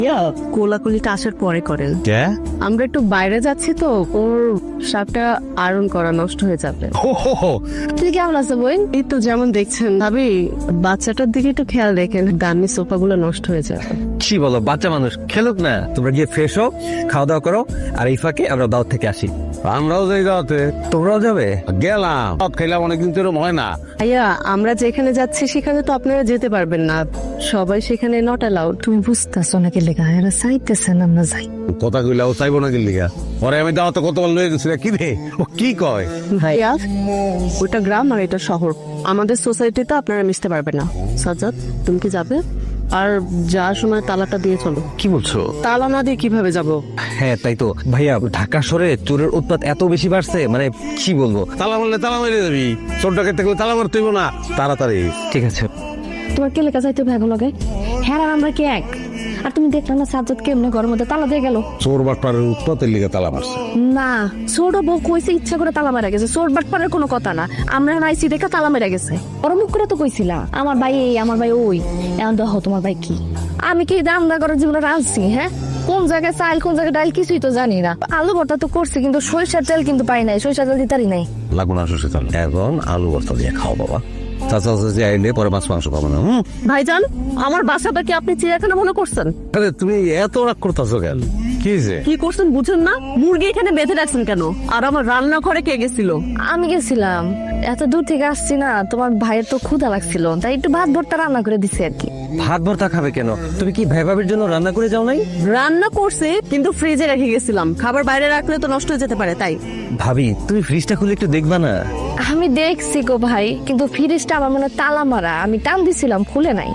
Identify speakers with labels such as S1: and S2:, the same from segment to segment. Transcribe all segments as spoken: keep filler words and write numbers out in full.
S1: কোলাকুলিটা আসার পরে করেন। আমরা একটু বাইরে যাচ্ছি তো, ওর শার্টটা আয়রন করা নষ্ট হয়ে যাবে। তুই কেমন আছো বোন? এই তো যেমন দেখছেন। ভাবি বাচ্চাটার দিকে একটু খেয়াল রেখেন, দামি সোফা গুলো নষ্ট হয়ে যাবে।
S2: কি বলো, বাচ্চা মানুষ খেলুক না। তোমরা গিয়ে ফ্রেশ হও, খাওয়া দাওয়া করো, আর এই ফাঁকে আমরা দাওয়াত থেকে আসি।
S3: আমরাও যাই দাওয়াতে।
S2: তোমরাও যাবে?
S3: গেলাম, দাওয়াত খাইলাম, অনেকদিন তো এরকম হয় না।
S1: ভাইয়া আমরা যেখানে যাচ্ছি সেখানে তো আপনারা যেতে পারবেন না, সবাই সেখানে নট অ্যালাউড। তুমি বুঝতেছো নাকি লেখা এরা চাইতেছেন আমরা যাই।
S3: কথা কইলা ও চাইবো না কিনলি পরে আমি দাওয়াতে কতবার লয়ে গেছি, কি রে ও কি কয়?
S1: ভাইয়া ওটা গ্রাম আর এটা শহর, আমাদের সোসাইটিতে আপনারা মিশতে পারবেন না। সাজ্জাদ তুমি কি যাবে? আর যাওয়ার সময় তালাটা দিয়ে চলো।
S2: কি বলছো?
S1: তালা না দিয়ে কিভাবে যাব?
S2: হ্যাঁ তাই তো ভাইয়া, ঢাকা শহরে চোরের উৎপাত এত বেশি বাড়ছে, মানে কি বলবো।
S3: তালা মারলে তালা মেরে যাবি, চোর ডাকাত থাকলে তালা মারতে হইব না। তাড়াতাড়ি।
S2: ঠিক আছে।
S4: তোমার কে লেখা যাইতে ভাগ লাগে? হ্যাঁ আর আমরা কি এক? আর তুমি দেখলাম না সাজ্জাদ কেমনে ঘরের মধ্যে তালা দিয়ে গেল?
S3: চোর বাটপারের উৎপাতের লিগে তালা মারছে।
S4: না, ছোট বউ কইছে ইচ্ছা করে তালা মারা গেছে, চোর বাটপারের কোনো কথা না। আমরা নাইছি দেখা তালা মারা গেছে। ওর মুখ করে তো কইছিলা আমার ভাই এই আমার ভাই ওই, এখন দেখো তোমার ভাই কি। আমি কি রান্না করার জীবনে রাঁধছি? হ্যাঁ, কোন জায়গায় চাল কোন জায়গায় ডাল কিছুই তো জানি না। আলু ভর্তা তো করছি কিন্তু সরিষার তেল কিন্তু পাই নাই, সরিষার তেল দিতারি নাই।
S3: লাগু না শ্বশুর তাল।
S2: এখন আলু বস্তা দিয়ে খাও বাবা, চাচা চাচি আইলে পরে মাছ মাংস খাবো না। হুম।
S1: ভাইজান আমার বাসাটা কি আপনি চিড়িয়াখানা মনে করছেন?
S3: আরে তুমি এত রাগ করতেছো কেন? কি হয়েছে?
S1: কি করছেন বুঝুন না? মুরগি এখানে বেঁধে রাখছেন কেন? আর আমার রান্না ঘরে কে গেছিল?
S4: আমি গেছিলাম, এত দূর থেকে আসছি না, তোমার ভাইয়ের তো ক্ষুধা লাগছিল তাই একটু ভাত ভর্তা রান্না করে দিছি আর কি।
S2: ভাত ভর্তা খাবে কেন? তুমি কি ভাই ভাবির জন্য রান্না করে যাও নাই?
S1: রান্না করছে কিন্তু ফ্রিজে রেখে গেছিলাম, খাবার বাইরে রাখলে তো নষ্ট হয়ে যেতে পারে তাই।
S2: ভাবি তুমি ফ্রিজটা খুলে একটু দেখবা না?
S4: আমি দেখছি গো ভাই, কিন্তু ফ্রিজটা আমার মনে হয় তালা মারা, আমি টান দিছিলাম খুলে নাই।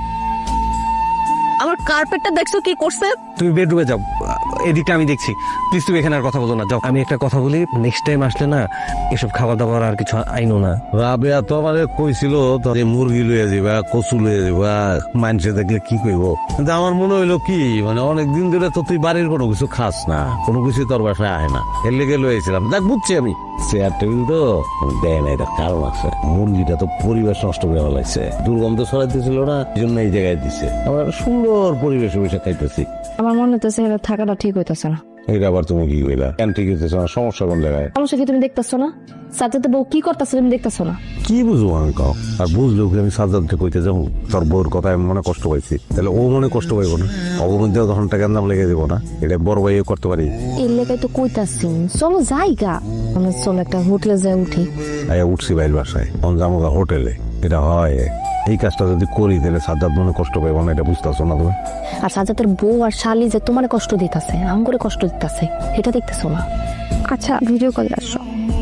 S1: আমার কার্পেটটা দেখছো কি করছে?
S2: তুমি বেডরুমে যাও, এদিকটা আমি দেখছি। প্লিজ তুমি এখানে আর কথা বলো না, যাও। আমি একটা কথা বলি, নেক্সট টাইম আসলে না এসব খাবার দাবার আর কিছু আইনো না।
S3: রাবেয়া তো আমারে কইছিল তোর মুরগি লইয়া যাবা, কচু লইয়া যাবা, মানুষে দেখলে কি কইব। কিন্তু আমার মনে হইলো কি, মানে অনেকদিন ধরে তো তুই বাড়ির কোনো কিছু খাস না, কোনো কিছু তোর বাসায় আয় না, এর লেগে লইয়াছিলাম। দেখ বুঝছি আমি, চেয়ার টেবিল তো দেয় না, এটা কারণ আছে। মুরগিটা তো পরিবেশ নষ্ট করে ফেলাইছে, দুর্গন্ধ ছড়াইতেছিল না, এই জন্য এই জায়গায় দিছে। আমরা সুন্দর পরিবেশে বসে খাইতেছি।
S4: আমার মনে হইতেছে এটা থাকাটা ঠিক হইতেছে না।
S3: এটা আবার তুমি কি কইলা? কেন ঠিক হইতেছে না? সমস্যা কোন জায়গায়?
S4: সমস্যা কি তুমি দেখতেছো না? সাথে বউ কি করতেছে তুমি দেখতেছো না?
S3: কি বুঝবো আমি কাউ? আর বুঝলেও কি আমি সাজ্জাদকে কইতে যাবো? তোর বউর কথা আমি মনে কষ্ট পাইছি, তাহলে ও মনে কষ্ট পাইব না? অবমধ্যে তখন টাকা দাম লেগে দিব না? এটা বড় ভাই করতে পারি।
S4: এই লেগাই তো কইতাছি চলো যাইগা, আমরা চলো একটা হোটেলে যাই উঠি।
S3: আয়া উঠছি বাইর বাসায়, অন যাবো হোটেলে। এটা হয়, এই কাজটা যদি করি তাহলে সাজ্জাদ মনে কষ্ট পাইব না, এটা বুঝতেছো না তুমি?
S4: আর সাজাতের বউ আর শালি যে তোমার কষ্ট দিতেছে, আম করে কষ্ট দিতেছে, এটা দেখতেছো না? আচ্ছা ভিডিও কল আসো।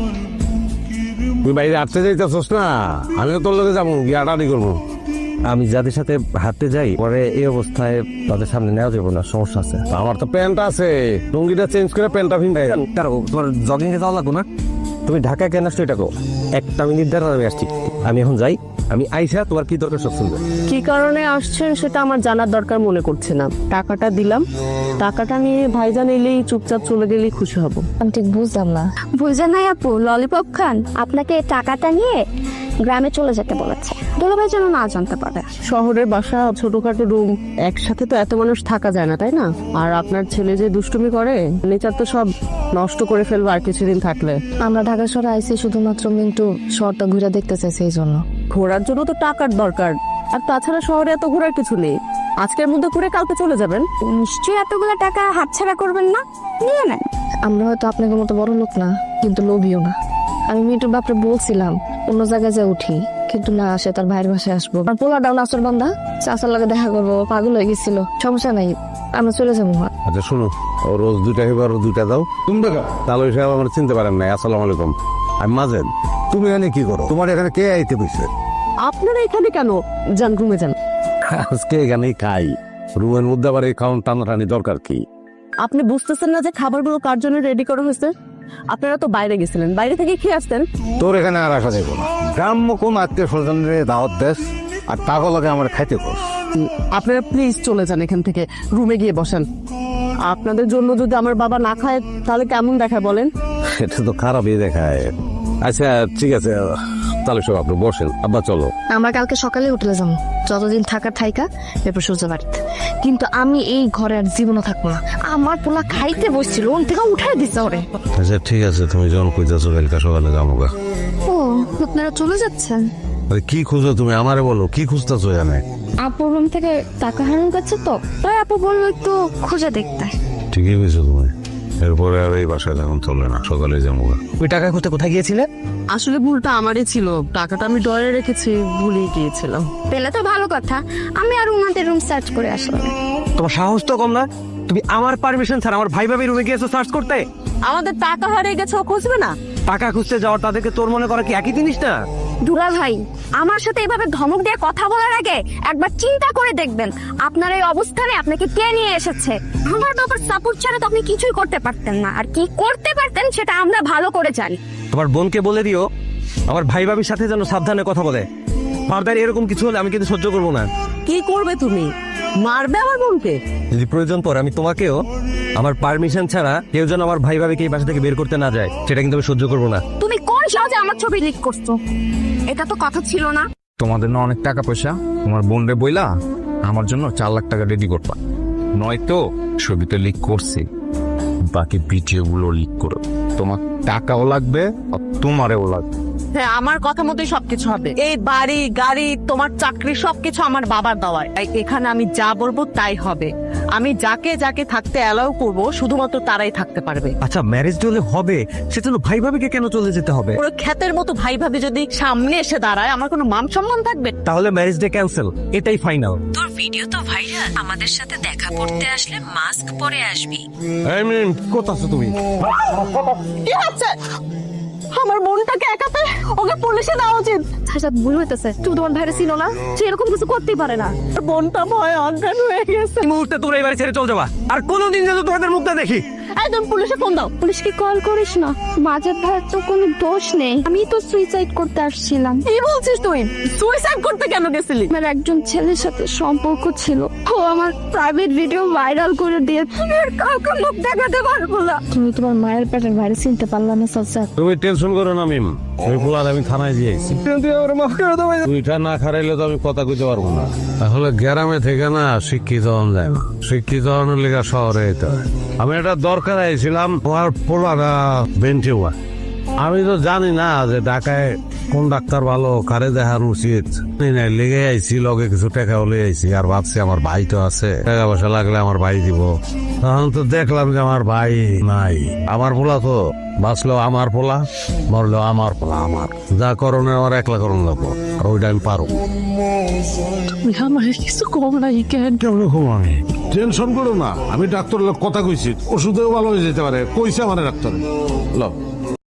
S3: তুই বাইরে হাঁটতে যাইতেছস না, আমিও তোর লগে যাবো, গিয়ে আটানি করবো।
S2: আমি যাদের সাথে হাঁটতে যাই পরে এই অবস্থায় তাদের সামনে নেওয়া যাবে না, সমস্যা আছে।
S3: আমার তো প্যান্ট আছে, লুঙ্গিটা চেঞ্জ করে প্যান্টটা ভিন্দাই।
S2: তোমার জগিং এ যাওয়া লাগবো না? তুমি ঢাকা কেন আসছো এটা কো? একটা মিনিট দ্বারা আমি আসছি, আমি এখন যাই। আমি আইসা তোমার কি দরকার সব শুনবে।
S1: কি কারণে আসছেন সেটা আমার জানার দরকার মনে করছে না। টাকাটা দিলাম, টাকাটা নিয়ে ভাইজান এলেই চুপচাপ চলে গেলেই খুশি হব।
S4: আমি ঠিক বুঝলাম না।
S5: বুঝে নাই আপু, ললিপপ খান, আপনাকে টাকাটা নিয়ে গ্রামে চলে যেতে বলেছে, দুলাভাই যেন না জানতে পারে।
S1: শহরের বাসা, ছোটখাটো রুম, একসাথে তো এত মানুষ থাকা যায় না তাই না? আর আপনার ছেলে যে দুষ্টুমি করে, নেচার তো সব নষ্ট করে ফেলবো আর কিছুদিন থাকলে।
S4: আমরা ঢাকা শহরে আইসি শুধুমাত্র মিন্টু শহরটা ঘুরে দেখতে চাইছি, এই জন্য।
S1: ঘোরার জন্য তো টাকার দরকার, আর তাছাড়া শহরে এত ঘোরার কিছু নেই। আজকের মধ্যে ঘুরে কালকে চলে যাবেন।
S5: নিশ্চয়ই এতগুলো টাকা হাতছাড়া করবেন না, নিয়ে নেন।
S4: আমরা হয়তো আপনাদের মতো বড় লোক না, কিন্তু লোভিও না। আমি মিন্টুর বাপরে বলছিলাম অন্য জায়গায় যা উঠি, কিন্তু না, সে তার ভাইয়ের বাসায় আসবো। আর পোলা ডাউন আসর বান্ধা চাচার লাগে দেখা করবো, পাগল হয়ে গেছিল। সমস্যা নাই, আমরা চলে যাবো।
S3: আচ্ছা শুনো, ও রোজ দুইটা এবার দুইটা দাও। তুমি দেখা তাহলে সাহেব আমার চিনতে পারেন না। আসসালামু আলাইকুম, আমি মাজেদ। তুমি এখানে কি করো? তোমার এখানে কে আইতে বসে?
S1: আপনারা এখানে কেন? যান রুমে যান।
S3: আজকে এখানেই খাই, রুমের মধ্যে আবার এই খাওয়ান টানাটানি দরকার কি?
S1: আপনি বুঝতেছেন না যে খাবারগুলো কার জন্য রেডি করা হয়েছে? আপনারা তো বাইরে গেছিলেন, বাইরে থেকে খেয়ে আসতেন।
S3: তোর এখানে আর আসা যাইব না। গ্রাম্য কোন আত্মীয় স্বজনের দাওয়াত দেশ আর টাকা লাগে আমার খাইতে কর।
S1: আপনারা প্লিজ চলে যান এখান থেকে, রুমে গিয়ে বসেন। আপনাদের জন্য যদি আমার বাবা না খায় তাহলে কেমন দেখায় বলেন?
S3: এটা তো খারাপই দেখায়। আচ্ছা ঠিক আছে,
S2: তাহলে সব আপনি বসেন, আব্বা চলো।
S4: আমরা কালকে সকালে হোটেলে যাবো, যতদিন থাকার থাইকা এরপর সূর্য বাড়িতে। কিন্তু আমি এই ঘরে আর জীবনও থাকবো না। আমার পোলা খাইতে বসছিল, ওন থেকে উঠাই দিচ্ছে ওরে।
S3: আচ্ছা ঠিক আছে, তুমি যখন কইতাছো কালকে সকালে যাবো গা।
S4: ও আপনারা চলে যাচ্ছেন?
S3: আরে কি খুঁজো তুমি, আমারে বলো কি খুঁজতেছো এখানে?
S4: আপুর রুম থেকে টাকা হারান করছে তো, তাই আপু বললো একটু খুঁজে দেখতে।
S3: ঠিকই বুঝছো তুমি, এরপরে আর এই বাসায় এখন চলবে না, সকালে যাবো গা।
S2: ওই টাকা খুঁজতে কোথায় গিয়েছিলে?
S1: আসলে ভুলটা আমারই ছিল, টাকাটা আমি ডরে রেখেছি, ভুলে গিয়েছিলাম।
S5: পেলে তো ভালো কথা, আমি আর ওনাদের রুম সার্চ করে আসলাম।
S2: তোমার সাহস তো কম না, তুমি আমার পারমিশন ছাড়া আমার ভাই ভাবির রুমে গিয়েছো সার্চ করতে?
S1: আমাদের টাকা হারিয়ে গেছে, ও খুঁজবে না?
S2: টাকা খুঁজতে যাওয়ার তাদেরকে তোর মনে করা কি একই জিনিস না?
S5: দুলা ভাই, আমার সাথে এভাবে ধমক দিয়ে কথা বলার আগে একবার চিন্তা করে দেখবেন আপনার এই অবস্থানে আপনাকে কে নিয়ে এসেছে। আমার বাবার সাপোর্ট ছাড়া তো আপনি কিছুই করতে পারতেন না, আর কি করতে পারতেন সেটা আমরা ভালো করে জানি।
S2: তোমার বোনকে বলে দিও আমার ভাই ভাবির সাথে যেন সাবধানে কথা বলে। ফার্দার এরকম কিছু হলে আমি কিন্তু সহ্য করবো না।
S1: কি করবে তুমি? মারবে আমার বোনকে?
S2: যদি প্রয়োজন পড়ে আমি তোমাকেও আমার পারমিশন ছাড়া কেউ যেন আমার ভাই ভাবিকে এই বাসা থেকে বের করতে না যায়, সেটা কিন্তু আমি সহ্য করবো না।
S5: তুমি কোন সহজে আমার ছবি লিক করছো? এটা তো কথা ছিল না।
S6: তোমাদের না অনেক টাকা পয়সা, তোমার বোন রে বইলা আমার জন্য চার লাখ টাকা রেডি করবা, নয়তো ছবিতে লিক করছি, বাকি ভিডিও গুলো লিক করো। তোমার টাকাও লাগবে আর তোমারও লাগবে।
S1: হ্যাঁ, আমার কথা মতোই সবকিছু হবে। এই বাড়ি গাড়ি তোমার চাকরি সবকিছু আমার বাবার দেওয়ায়, তাই এখানে আমি যা বলবো তাই হবে। আমি যাকে যাকে থাকতে অ্যালাউ করব শুধুমাত্র তারাই থাকতে পারবে।
S2: আচ্ছা ম্যারেজ হলে হবে, সেজন্য ভাই ভাবিকে কেন চলে যেতে হবে?
S1: পুরো খ্যাতের মতো ভাই ভাবি যদি সামনে এসে দাঁড়ায়, আমার কোনো মান সম্মান থাকবে?
S2: তাহলে ম্যারেজ ডে ক্যান্সেল, এটাই ফাইনাল।
S7: তোর ভিডিও তো ভাইরাল, আমাদের সাথে দেখা করতে আসলে মাস্ক পরে আসবি।
S3: এই মিম, কোথায় আছো তুমি?
S1: কি হচ্ছে? আমার বোনটাকে একাতে ওকে পুলিশে দেওয়া উচিত।
S4: আচ্ছা ভুল হইতেছে, তুমি তোমার ভাইরে চিনো না, সে এরকম কিছু করতেই পারে না।
S1: বোনটা ভয় অজ্ঞান হয়ে গেছে।
S2: এই মুহূর্তে তোমরা এই বাড়ি ছেড়ে চলে যাবা, আর কোনোদিন যেন তোমাদের মুখটা দেখি।
S1: এই তুমি পুলিশে ফোন দাও।
S5: পুলিশকে কল করিস না, মাঝের ভাইয়ের তো কোনো দোষ নেই, আমি তো সুইসাইড করতে আসছিলাম।
S1: কি বলছিস তুই? সুইসাইড করতে কেন গেছিলি?
S5: আমার একজন ছেলের সাথে সম্পর্ক ছিল, ও আমার প্রাইভেট ভিডিও ভাইরাল করে দিয়ে আমি আর কাউকে মুখ দেখাতে পারবো না।
S4: তুমি তোমার মায়ের পেটের ভাইরে চিনতে পারলা না চাচা?
S3: তুমি টেনশন করো না মিম, ওই পোলার আমি থানায় দিয়েছি। তুইটা না খারাইলে তো আমি কথা কইতে পারবো না। আসলে গ্রামে থেকে না শিক্ষিত হন যায় না, শিক্ষিত হওয়ার লেগে শহরে যেতে হয়। আমি এটা দরকার আইছিলাম, তোমার পোলাটা বেঞ্চে হওয়া। আমি তো জানি না যে ঢাকায় কোন ডাক্তার ভালো, কারে দেখার উচিত। লেগে আইছি, লগে কিছু টাকা হলে আইছি, আর ভাবছি আমার ভাই তো আছে, টাকা পয়সা লাগলে আমার ভাই দিব। তখন তো দেখলাম যে আমার ভাই নাই। আমার পোলা তো বাঁচলেও আমার পোলা, মরলেও আমার পোলা। আমার যা করণে আমার একলা করণ লাগবো, আর ওইটা আমি পারো।
S1: আমার কিছু কম নাই কেন?
S3: কেমন আমি টেনশন করো না, আমি ডাক্তারের কথা কইছি, ওষুধেও ভালো হয়ে যেতে পারে, কইছে আমার ডাক্তার। ল